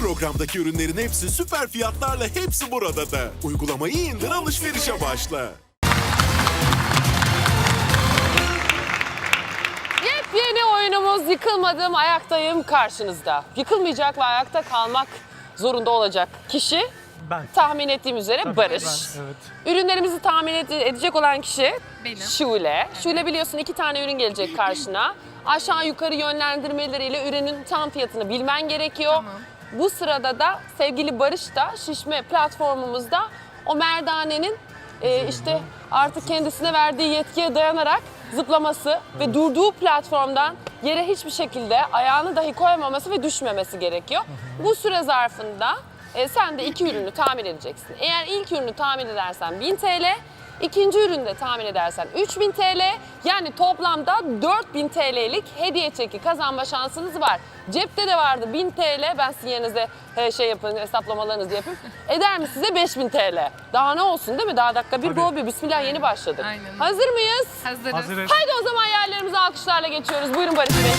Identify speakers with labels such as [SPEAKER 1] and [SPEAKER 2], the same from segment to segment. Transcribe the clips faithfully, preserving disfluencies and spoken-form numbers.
[SPEAKER 1] Programdaki ürünlerin hepsi süper fiyatlarla, hepsi burada da. Uygulamayı indir, alışverişe başla.
[SPEAKER 2] Yepyeni oyunumuz Yıkılmadım, Ayaktayım karşınızda. Yıkılmayacak ve ayakta kalmak zorunda olacak kişi
[SPEAKER 3] Ben.
[SPEAKER 2] tahmin ettiğim üzere
[SPEAKER 3] Tabii
[SPEAKER 2] Barış.
[SPEAKER 3] ben, evet.
[SPEAKER 2] Ürünlerimizi tahmin ede- edecek olan kişi
[SPEAKER 4] Benim.
[SPEAKER 2] Şule. Şule biliyorsun iki tane ürün gelecek karşına. Aşağı yukarı yönlendirmeleriyle ürünün tam fiyatını bilmen gerekiyor.
[SPEAKER 4] Tamam.
[SPEAKER 2] Bu sırada da sevgili Barış da şişme platformumuzda o merdanenin e, işte artık kendisine verdiği yetkiye dayanarak zıplaması ve durduğu platformdan yere hiçbir şekilde ayağını dahi koymaması ve düşmemesi gerekiyor. Bu süre zarfında e, sen de iki ürünü tahmin edeceksin. Eğer ilk ürünü tahmin edersen bin T L, ikinci ürünü de tahmin edersen üç bin T L, yani toplamda dört bin T L'lik hediye çeki kazanma şansınız var. Cepte de vardı bin T L, ben sizin yerinize e, şey yapın, hesaplamalarınızı yapayım. Eder mi size beş bin T L? Daha ne olsun değil mi? Daha dakika bir
[SPEAKER 3] Tabii.
[SPEAKER 2] go bir. Bismillah, yeni başladık.
[SPEAKER 4] Aynen.
[SPEAKER 2] Hazır mıyız?
[SPEAKER 4] Hazırız.
[SPEAKER 3] Hazırız.
[SPEAKER 2] Haydi o zaman yerlerimize alkışlarla geçiyoruz. Buyurun Barış Bey.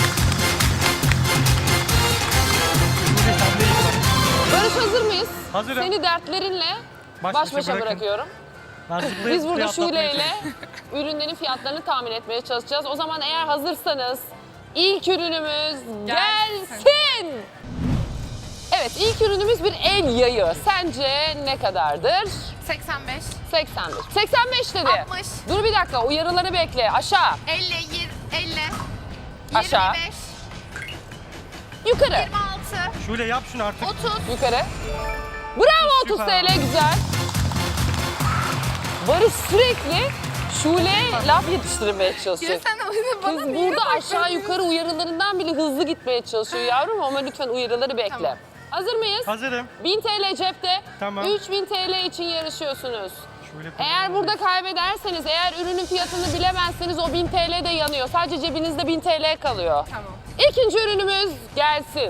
[SPEAKER 2] Barış, hazır mıyız?
[SPEAKER 3] Hazırım.
[SPEAKER 2] Seni dertlerinle
[SPEAKER 3] Baş
[SPEAKER 2] baş
[SPEAKER 3] başa
[SPEAKER 2] başa
[SPEAKER 3] bırakın.
[SPEAKER 2] bırakıyorum.
[SPEAKER 3] Ben zıplayıp
[SPEAKER 2] Biz burada
[SPEAKER 3] zıplayıp
[SPEAKER 2] Şule
[SPEAKER 3] atlatmaya
[SPEAKER 2] ile ürünlerin fiyatlarını tahmin etmeye çalışacağız. O zaman eğer hazırsanız ilk ürünümüz gelsin.
[SPEAKER 4] Gelsin.
[SPEAKER 2] Evet, ilk ürünümüz bir el yayı. Sence ne kadardır?
[SPEAKER 4] seksen beş,
[SPEAKER 2] seksen beş. seksen beş dedi.
[SPEAKER 4] altmış.
[SPEAKER 2] Dur bir dakika, uyarıları bekle. Aşağı,
[SPEAKER 4] elli, yirmi, elli,
[SPEAKER 2] Aşağı.
[SPEAKER 4] yirmi beş,
[SPEAKER 2] yukarı,
[SPEAKER 4] yirmi altı,
[SPEAKER 3] Şule yap şunu artık.
[SPEAKER 4] otuz.
[SPEAKER 2] yukarı. Bravo, otuz
[SPEAKER 3] Süper.
[SPEAKER 2] T L, güzel. Barış sürekli Şule'ye laf yetiştirmeye
[SPEAKER 4] Ya
[SPEAKER 2] çalışıyor.
[SPEAKER 4] sen oyunu bana
[SPEAKER 2] Kız
[SPEAKER 4] niye
[SPEAKER 2] burada aşağı
[SPEAKER 4] bakıyorsun?
[SPEAKER 2] yukarı uyarılarından bile hızlı gitmeye çalışıyor yavrum, ama lütfen uyarıları bekle.
[SPEAKER 4] Tamam.
[SPEAKER 2] Hazır mıyız?
[SPEAKER 3] Hazırım.
[SPEAKER 2] bin T L cepte,
[SPEAKER 3] Tamam.
[SPEAKER 2] üç bin T L için yarışıyorsunuz.
[SPEAKER 3] Şöyle
[SPEAKER 2] Eğer burada kaybederseniz, eğer ürünün fiyatını bilemezseniz o bin T L de yanıyor. Sadece cebinizde bin T L kalıyor.
[SPEAKER 4] Tamam.
[SPEAKER 2] İkinci ürünümüz gelsin.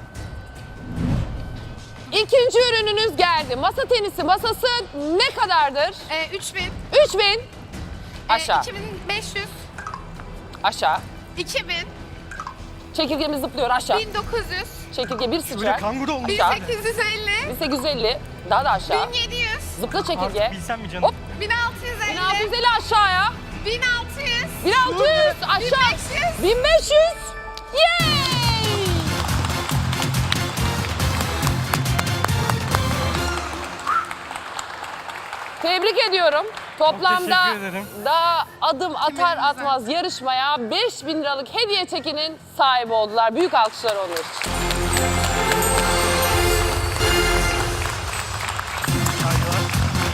[SPEAKER 2] İkinci ürününüz geldi. Masa tenisi masası ne kadardır?
[SPEAKER 4] Ee, üç bin,
[SPEAKER 2] üç bin. Aşağı,
[SPEAKER 4] e, iki bin beş yüz,
[SPEAKER 2] aşağı.
[SPEAKER 4] iki bin,
[SPEAKER 2] Çekirgemiz zıplıyor aşağı.
[SPEAKER 4] bin dokuz yüz,
[SPEAKER 2] Çekirge bir
[SPEAKER 3] Şule
[SPEAKER 2] sıçrar.
[SPEAKER 3] kanguru olmuş.
[SPEAKER 4] bin
[SPEAKER 2] Aşağı.
[SPEAKER 4] sekiz yüz elli,
[SPEAKER 2] bin sekiz yüz elli. Daha da aşağı.
[SPEAKER 4] bin yedi yüz,
[SPEAKER 2] Zıpla çekirge.
[SPEAKER 3] Artık bilsem mi canım?
[SPEAKER 2] Hop.
[SPEAKER 4] bin altı yüz
[SPEAKER 2] bin altı yüz
[SPEAKER 4] elli,
[SPEAKER 2] elli aşağıya.
[SPEAKER 4] bin altı yüz,
[SPEAKER 2] bin altı yüz aşağı.
[SPEAKER 4] beş yüz.
[SPEAKER 2] bin beş yüz. Yay! Tebrik ediyorum. Toplamda
[SPEAKER 3] teşekkür ederim.
[SPEAKER 2] daha adım atar
[SPEAKER 4] Kiminimize?
[SPEAKER 2] atmaz yarışmaya beş bin liralık hediye çekinin sahibi oldular. Büyük alkışlar onlar için.
[SPEAKER 3] Saygılar.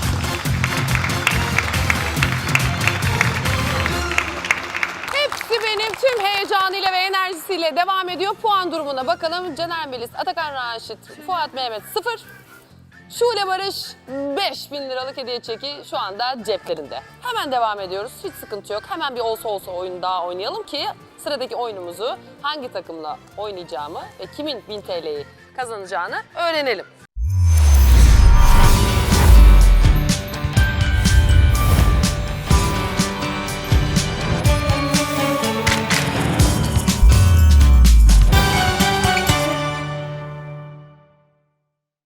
[SPEAKER 2] Hepsi benim tüm heyecanıyla ve enerjisiyle devam ediyor. Puan durumuna bakalım. Caner Melis, Atakan Raşit, Fuat Mehmet sıfır. Şule Barış beş bin liralık hediye çeki şu anda ceplerinde. Hemen devam ediyoruz. Hiç sıkıntı yok. Hemen bir olsa olsa oyun daha oynayalım ki sıradaki oyunumuzu hangi takımla oynayacağımı ve kimin bin T L'yi kazanacağını öğrenelim.